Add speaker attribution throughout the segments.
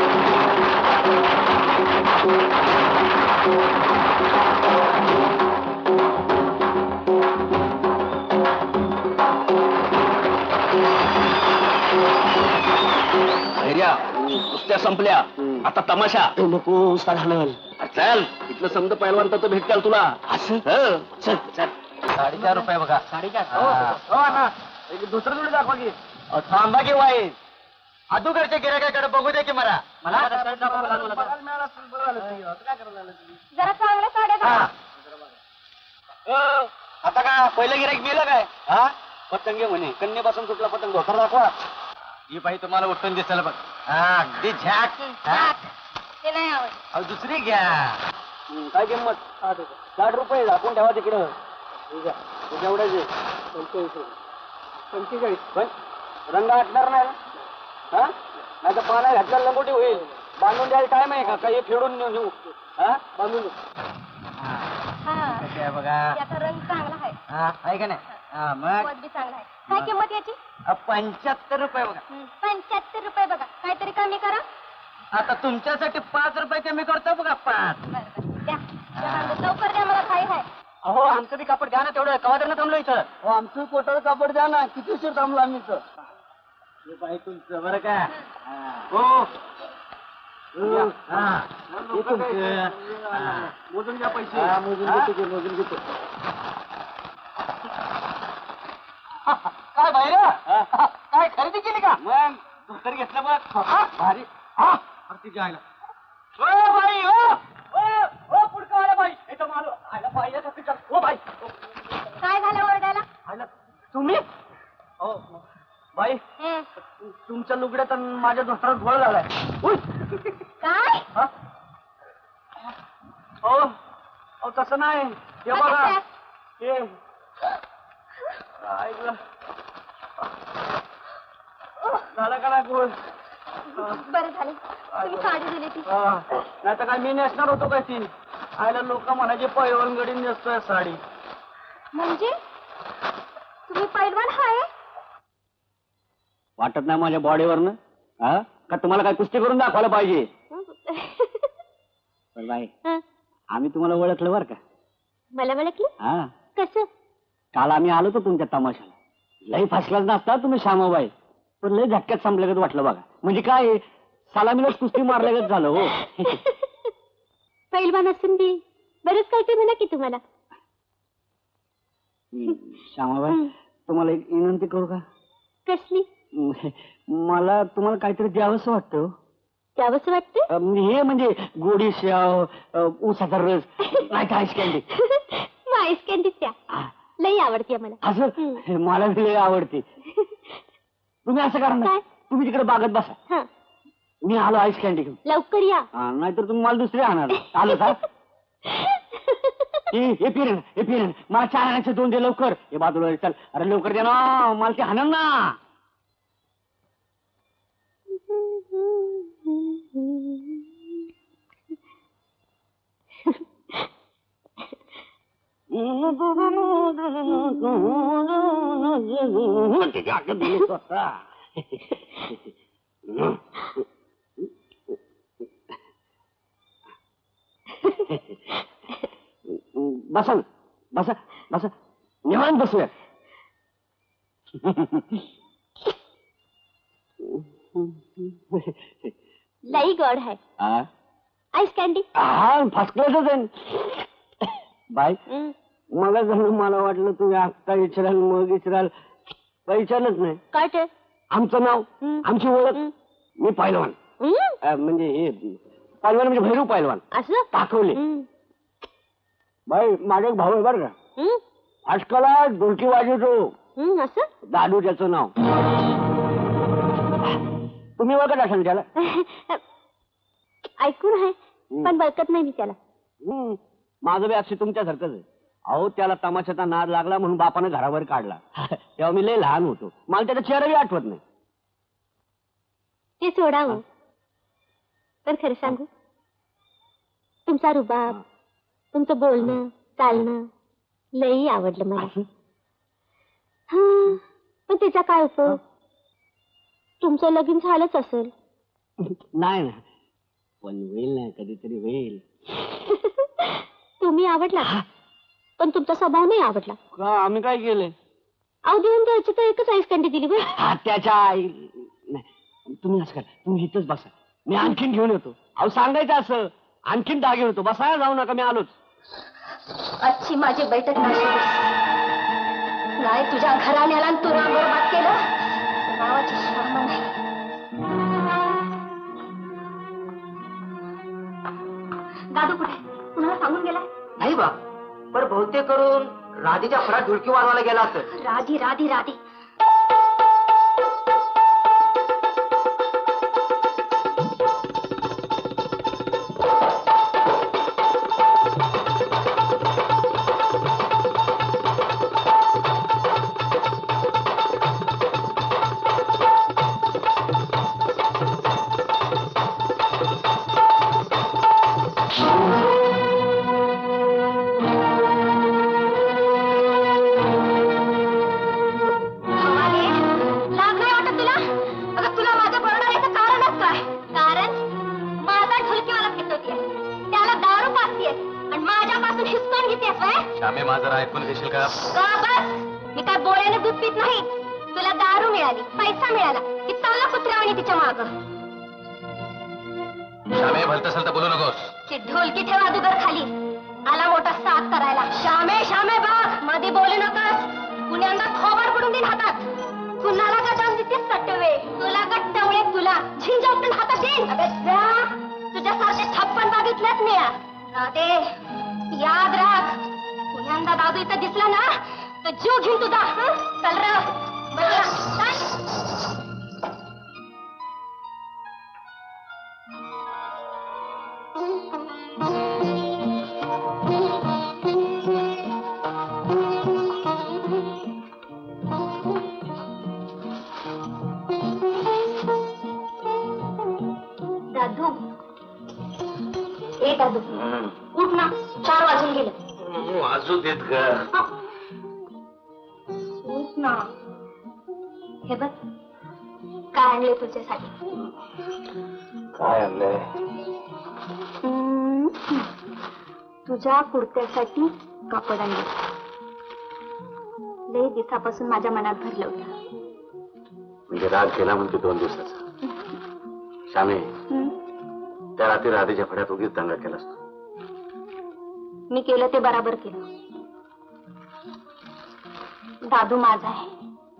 Speaker 1: कुस्त्या संपल्या, आता तमाशा.
Speaker 2: नको साधारण
Speaker 1: चल, इथलं समजा पहिलवान तर भेटतील तुला.
Speaker 2: असं
Speaker 1: चल चल.
Speaker 2: 4.5 रुपये बघा.
Speaker 1: 4.5. दुसरं जोडी दाखवा की.
Speaker 2: थांबा की वाईट अदुगरच्या गिरायकाकडे बघू दे की मला
Speaker 3: जरा चांगल्या साड्या घाला.
Speaker 1: आता का पहिलं गिराईक गेलं काय? हा, पतंग म्हणे, कन्येपासून कुठला पतंग धोतर दाखवा.
Speaker 2: ही बाई तुम्हाला उठून दिसेल बघ. हा, अगदी झॅक.
Speaker 3: ते नाही आवडत.
Speaker 2: अहो, दुसरी घ्या.
Speaker 1: काय किंमत? 60 रुपये. दाखवून ठेवा तिकडं. एवढ्याचे 45. पण रंग हटणार नाही ना? नाही तर पाला घातल्या लंगोटी होईल. बांधून द्यायला टाइम आहे का? काही फेडून नेऊ. हा, बांधून देऊ.
Speaker 3: हा,
Speaker 2: बघा
Speaker 3: याचा रंग चांगला आहे.
Speaker 2: हा, आहे का नाही? हा, मग
Speaker 3: पद बी चांगला आहे. काय किंमत याची?
Speaker 2: 75 रुपये बघा.
Speaker 3: 75 रुपये बघा. काहीतरी कमी करा.
Speaker 2: आता तुमच्यासाठी 5 रुपये कमी करतो बघा. 5.
Speaker 3: बरं द्या. लवकर द्या, मला खाई आहे.
Speaker 1: अहो, आमचं बी कापड द्या ना तेवढं. कवादरनं थांबलो इथं.
Speaker 2: हो, आमचं कोटाचं कापड द्या ना. किती उशीर थांबलो आम्ही इथं. हे बाई तुमचं बरं का?
Speaker 1: हो,
Speaker 2: हा, हे तुमचं.
Speaker 1: मोजून घ्या पैसे.
Speaker 2: हा, मोजून घेतो.
Speaker 1: काय बाहेर? काय खरेदी केली का? मग धोतर घेतलं बघ. भारी. तिच्या आईला. ओ बाई, ओ पुढचं आला बाई. इथं मालो आयला पाहिजे का तिच्या? O by.
Speaker 3: काय झालं ओरडायला?
Speaker 1: आयला तुम्ही? हो बाई, तुमच्या लुगड्यात आणि माझ्या धोतरात घोळ झालाय.
Speaker 3: काय?
Speaker 1: हो, तसं नाही. हे बघा, हे काय गं? झालं का नाही घोळ?
Speaker 3: बरं झालं तुम्ही साडी दिली ती.
Speaker 1: नाही तर काय मी नेसणार होतो काय ती? आयला लोक म्हणायचे पैलवान गडी नेसतोय साडी.
Speaker 3: म्हणजे तुम्ही पैलवान आहे?
Speaker 1: वाटत नाही माझ्या बॉडीवरनं? का तुम्हाला काय कुस्ती करून दाखवायला पाहिजे? बाई, आम्ही तुम्हाला ओळखलं बरं का?
Speaker 3: मला ओळखलं?
Speaker 1: हा,
Speaker 3: कसं?
Speaker 1: काल आम्ही आलो होतो तुमच्या तमाशाला. लई फसलाच नसता तुम्ही श्यामाबाई, पण लई झटक्यात संपल्यागत वाटलं बघा. म्हणजे काय, सलामीलाच कुस्ती मारल्यागत झालं. हो.
Speaker 3: पैलवान असून बी बरंच काय ते म्हणा की तुम्हाला.
Speaker 1: श्यामाबाई, तुम्हाला एक विनंती करू का?
Speaker 3: कसली?
Speaker 1: मला तुम्हाला काहीतरी द्यावंसं वाटतं.
Speaker 3: द्यावंसं वाटतं?
Speaker 1: हे म्हणजे गोडी शेव, ऊसाचा रस, नाही तर आईस कॅन्डी.
Speaker 3: आईस कॅन्डी त्या लई आवडते मला.
Speaker 1: असं मला लई आवडते. तुम्ही असं करा ना, तुम्ही तिकडे बागत बसा, मी आलो आईस कॅन्डी घेऊन.
Speaker 3: लवकर या.
Speaker 1: नाहीतर तुम्ही मला दुसरी आणणार. आलो का? हे पिरण मला 4 आणायचे 2 दे लवकर. हे बाजूला चल. अरे लवकर दे ना, मला ते हाणन ना. बसा बसा बसा, निवांत बसूया.
Speaker 3: लई गोड है आईस कॅन्डी.
Speaker 1: हा, फर्स्ट क्लासच आहे. बाय, मला जणू मला वाटलं तुम्ही आत्ता विचाराल मग विचाराल. विचारलंच नाही.
Speaker 3: काय ते?
Speaker 1: आमचं नाव, आमची ओळख. मी पैलवान. म्हणजे हे पैलवान म्हणजे भैरू पैलवान.
Speaker 3: असं
Speaker 1: दाखवले. बाई, माझा एक भाऊ आहे बरं का, आजकाला ढोलकी वाजवतो.
Speaker 3: असं
Speaker 1: दादू त्याचं नाव. तुम्ही ओळखत असाल त्याला?
Speaker 3: ऐकून आहे पण बळकत नाही मी त्याला.
Speaker 1: माझं बी अक्षय तुमच्यासारखंच आहे. अहो, त्याला तमाशाचा नाद लागला म्हणून बापानं घरावर काढला. तेव्हा मी लय लहान होतो, मला त्याचा चेहराही आठवत नाही.
Speaker 3: ते सोडावं, पण खरं सांगू, तुमचा रुबाब, तुमचं बोलणं चालणं लई आवडलं मला. पण त्याचा काय उपयोग? तुमचं लगीन झालंच असेल.
Speaker 1: नाही ना,
Speaker 2: पण होईल ना, कधीतरी होईल.
Speaker 3: तुम्ही आवडला पण तुमचा स्वभाव नाही आवडला.
Speaker 2: का आम्ही काय केलंय?
Speaker 3: अहो देऊन द्यायची तर एकच आईस कँडी दिली बरं.
Speaker 2: त्याच्या आई नाही, तुम्ही असं करा, तुम्ही इथंच बसा, मी आणखीन घेऊन येतो. अहो सांगायचं असं, आणखीन दहा घेऊन येतो. बसायला जाऊ नका, मी आलोच.
Speaker 3: आजची माझी बैठक नाही तुझ्या घराण्याला तू राम बरबाद केलं नावाची शर्म नाही. दादू कुठे कुणाला सांगून गेलाय?
Speaker 1: नाही बा, पण बहुतेक करून राधीच्या फळात ढुलकी वाजवायला गेला असेल.
Speaker 3: राधी राधी राधी
Speaker 4: श्यामे माझं ऐकून घेशील का?
Speaker 3: बस मी काय बोळ्याने दूध पित नाही. तुला दारू मिळाली, पैसा मिळाला की चालला कुत्र्यावानी तिच्या माग.
Speaker 4: श्यामे भलत असेल तर बोलू नकोस.
Speaker 3: ती ढोलकी ठेवा अगोदर खाली. आला मोठा साथ करायला. श्यामे श्यामे बघ मध्ये बोलू नकोस. पुण्यांदा खोबर पडून देईन हातात. कुणाला का जाऊन देतेस सटवे? तुला का टवळे तुला झिंजा उठून हातात देईन. तुझ्यासारखे छप्पन बघितलेच मी. राधे याद राख, पुण्यांदा दादू इथं दिसला ना तर जीव घेऊन तुझा. चल र दादू. ए दादू उठ ना, 4 वाजून गेले.
Speaker 4: वाजू देत ग.
Speaker 3: उठ ना. हे बघ काय आणले तुझ्यासाठी.
Speaker 4: काय आणलंय?
Speaker 3: तुझ्या कुर्त्यासाठी कापड आणले. लई दिवसापासून माझ्या मनात भरलं होतं.
Speaker 4: म्हणजे राग गेला म्हणते 2 दिवसाचा. श्यामे त्या रात्री राधेच्या फड्यात उगीच दंगा केला असतो.
Speaker 3: मी केलं ते बराबर केलं. दादू माझा आहे,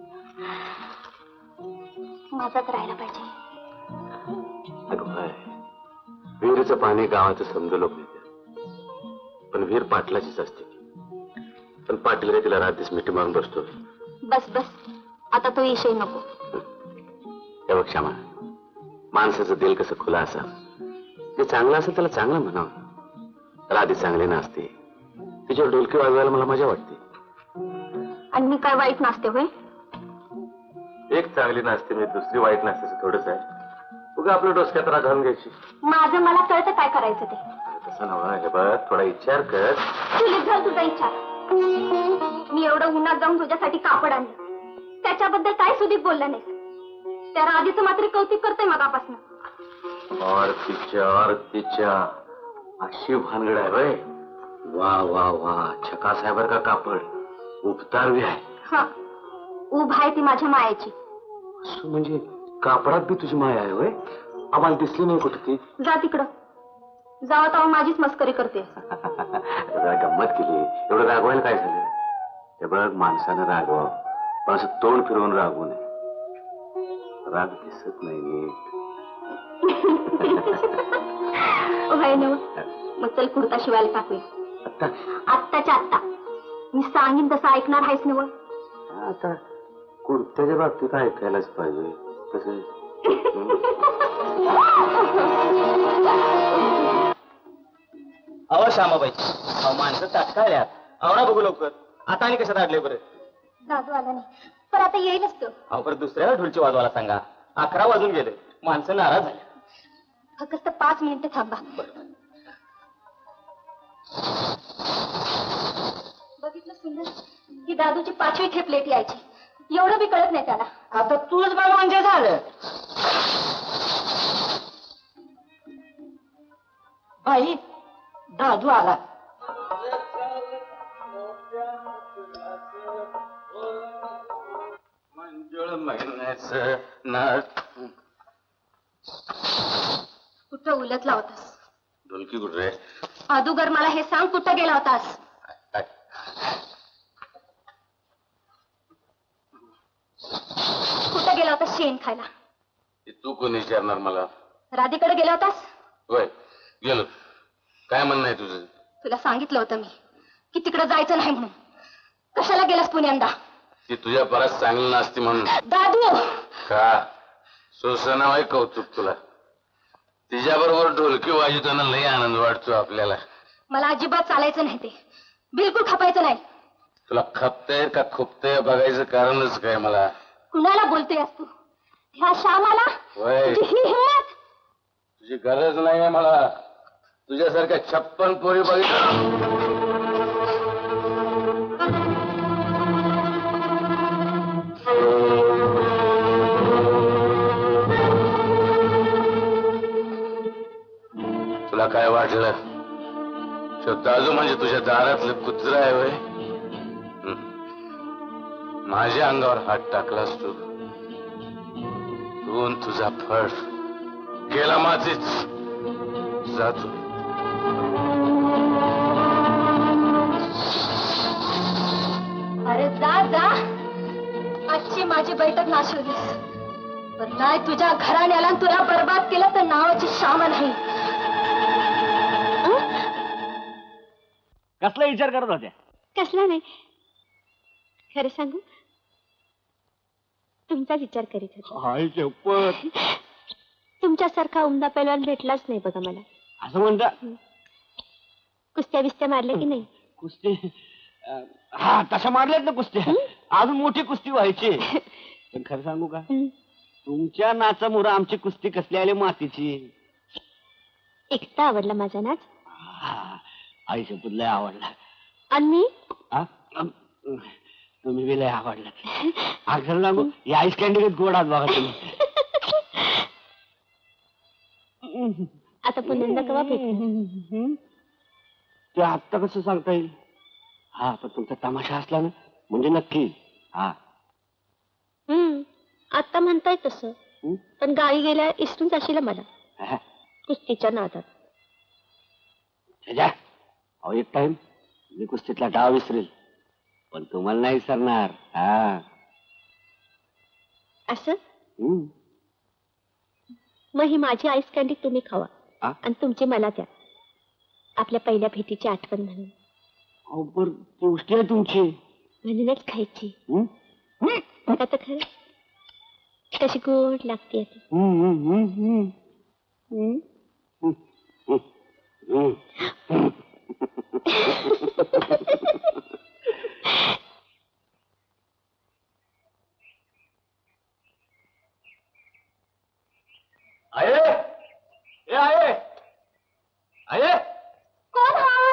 Speaker 3: माझाच राहायला पाहिजे.
Speaker 4: अगं बाय, विहिरीचं पाणी गावाचं समज लोक नेते, पण विहीर पाटलाचीच असते. पण पाटील रे तिला रात्रीच मिठी मारून बसतो.
Speaker 3: बस बस आता तो विषय नको.
Speaker 4: हे बघ श्यामा, माणसाचं दिल कसं खुलं असावं. ते चांगलं असेल त्याला चांगलं म्हणावं. राधी चांगली नसते, तिच्यावर ढोलकी वाजवायला मला मजा वाटते.
Speaker 3: आणि मी काय वाईट नसते होय?
Speaker 4: एक चांगली नसते मी दुसरी वाईट नसते थोडंच आहे. उगा आपल्या डोसक्यात राग घालून घ्यायची.
Speaker 3: माझं मला कळतं काय करायचं ते.
Speaker 4: तसं नव्हा. हे बघ थोडा विचार कर.
Speaker 3: चुलीत घाल तुझा इच्छा. मी एवढं उन्हात जाऊन तुझ्यासाठी कापड आणलं, त्याच्याबद्दल काय सुधीक बोललं नाही. त्या राधीचं मात्र कौतुक करतोय मगापासून.
Speaker 4: और तिच्या अशी भानगड आहे होय. वा वा वा, छका साहेबर का कापड उपतार बी आहे.
Speaker 3: हा उभ आहे ती माझ्या मायाची.
Speaker 4: म्हणजे कापडात बी तुझी माया आहे होय. आम्हाला दिसली नाही कुठे ती.
Speaker 3: जा तिकडं. जावा तेव्हा माझीच मस्करी करते.
Speaker 4: जरा गंमत केली. एवढं रागवायला काय झालं? हे बघ माणसानं रागवावं, पण असं तोंड फिरवून रागवू नये. राग दिसत नाही नीट.
Speaker 3: होय नव. मग चल कुर्ता शिवायला टाकूया. आत्ताच्या आत्ता. मी सांगीन तसं ऐकणार आहेस नव.
Speaker 4: आता कुर्त्याच्या बाबतीत ऐकायलाच पाहिजे तसं.
Speaker 2: अहो श्यामाबाई, अहो माणसं ताटकाळल्यात. आवडा बघू लवकर. आता आणि कशात अडले बरं?
Speaker 3: दादू आला नाही पण आता येईलच तो.
Speaker 2: अहो परत दुसऱ्याला ढोलची वाजवायला सांगा. 11 वाजून गेले. माणसं नाराज झाली.
Speaker 3: फक्त 5 मिनिटं थांबा. बघितलं सुंदर, ही दादूची 5वी खेप लेट यायची. एवढं बी कळत नाही त्याला.
Speaker 1: आता तूच बघ म्हणजे झालं. बाई दादू आला.
Speaker 4: मंजुळ महिन्याचं नाच.
Speaker 3: कुठं उलटला होतास?
Speaker 4: ढोलकी कुठे रे?
Speaker 3: अदुगर मला हे सांग, कुठं गेला होतास? कुठं गेला होतास शेण खायला?
Speaker 4: तू कोण विचारणार मला?
Speaker 3: राधेकडे गेला होतास?
Speaker 4: होय गेलो. काय म्हणणं आहे तुझं?
Speaker 3: तुला सांगितलं होतं मी की तिकडे जायचं नाही म्हणून. कशाला गेलास पुण्यांदा?
Speaker 4: ती तुझ्या परत चांगली नसती म्हणून.
Speaker 3: दादू
Speaker 4: का सोसना होय कौतुक तुला? तिच्याबरोबर ढोलकी वाजवताना लई आनंद वाटतो आपल्याला.
Speaker 3: मला अजिबात चालायचं नाही, ते बिलकुल खपायचं नाही.
Speaker 4: तुला खपतंय का खुपतंय बघायचं कारणच काय मला?
Speaker 3: कुणाला बोलतोयस तू? ह्या श्यामाला?
Speaker 4: होय
Speaker 3: तुझी ही हिंमत?
Speaker 4: तुझी गरज नाहीये मला. तुझ्यासारख्या 56 पोरी बघितलं. तुला काय वाटलं? दाजू म्हणजे तुझ्या दारातलं कुत्र आहे वय? माझ्या अंगावर हात टाकलास तू. तू न तुझा फळ गेला माझीच. जातो.
Speaker 3: अरे जा जा, आजची माझी बैठक नाशिवलीस. पण नाही तुझ्या घराण्याला तुला बर्बाद केलं तर नावाची श्यामा नाही.
Speaker 2: कसला विचार करत होत्या?
Speaker 3: कसला नाही, खरं सांगू तुमचा विचार करीत होता.
Speaker 2: हाय शपथ.
Speaker 3: तुमच्यासारखा उमदा पैलवान भेटलाच नाही बघा मला.
Speaker 2: असं म्हणता?
Speaker 3: कुस्त्या बिस्त्या मारल्या की नाही?
Speaker 2: कुस्ती हा तशा मारल्यात ना कुस्त्या. अजून मोठी कुस्ती व्हायची. पण खरं सांगू का, तुमच्या नाचामुळे आमची कुस्ती कसली आली मातीची.
Speaker 3: एकटा आवडला माझा नाच.
Speaker 2: आई शपथ लय आवडला.
Speaker 3: आणि मी
Speaker 2: तुम्ही बी लय आवडला. खरं सांगू या आईस कॅन्डी गोडात बघा तुम्ही.
Speaker 3: आता पुन्हा कवा भेटू?
Speaker 2: ते आत्ता कसं सांगता येईल. हा पण तुमचा तमाशा असला ना म्हणजे नक्की. हा
Speaker 3: आता म्हणताय तसं, पण गावी गेल्या इसरून जाशील मला कुस्तीच्या नादात.
Speaker 2: अहो एक टाइम मी कुस्तीतला डाव विसरेल पण तुम्हाला नाही विसरणार. हा
Speaker 3: असं मग ही माझी आईस कँडी तुम्ही खावा आणि तुमची मला द्या, आपल्या पहिल्या भेटीची आठवण म्हणून.
Speaker 2: अहो पण गोष्टी आहे तुमची
Speaker 3: म्हणूनच खायची. बघा तर खरं कशी गोड लागते.
Speaker 2: आहे ए आहे आहे
Speaker 3: कोण हा?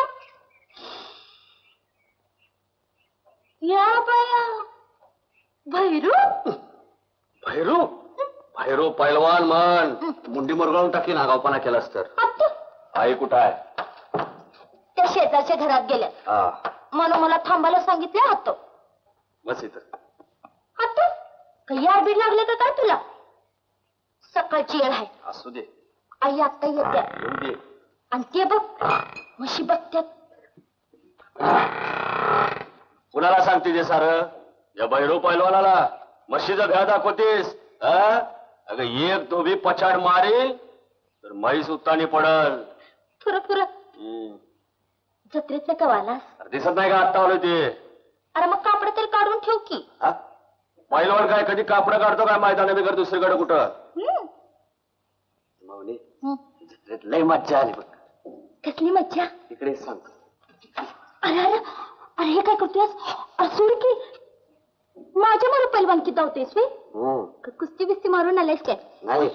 Speaker 3: या बाया भैरू.
Speaker 4: भैरू भैरू पैलवान म्हण. मुंडी मुरगाळून टाकी नागावपणा केलास तर. आई कुठं आहे?
Speaker 3: त्या शेजारच्या घरात गेल्या. म्हणून मला थांबायला सांगितले. हातो
Speaker 4: बस इथं.
Speaker 3: हातो काही आडबीड लागले का काय तुला? सकाळची येळ आहे.
Speaker 4: असू दे.
Speaker 3: आई आता येत्या
Speaker 4: येऊ दे.
Speaker 3: आणि ते बघ म्हशी बघत्यात.
Speaker 4: कुणाला सांगते ते सारं? या भैरू पैलवानाला म्हशीचा भ्या दाखवतेस? अगं एक तो बी पछाड मारेल तर म्हैस उत्तानी पडल.
Speaker 3: फुर फुर जत्रेत कवालास?
Speaker 4: दिसत नाही का आत्ता आलो ते?
Speaker 3: अरे मग कापड तरी काढून ठेव की.
Speaker 4: पैलवान काय कधी कापडं काढतो काय मैदाना बिगर दुसरीकडे कुठं? माऊली जत्रेत लय मज्जा आली बघ.
Speaker 3: कसली मज्जा?
Speaker 4: इकडे सांग.
Speaker 3: अरे अरे अरे हे काय करतोयस? सोड की. माझ्या मला पैलवानकी धावतेस वे? कुस्ती बिस्ती मारून आलायस काय?
Speaker 4: नाही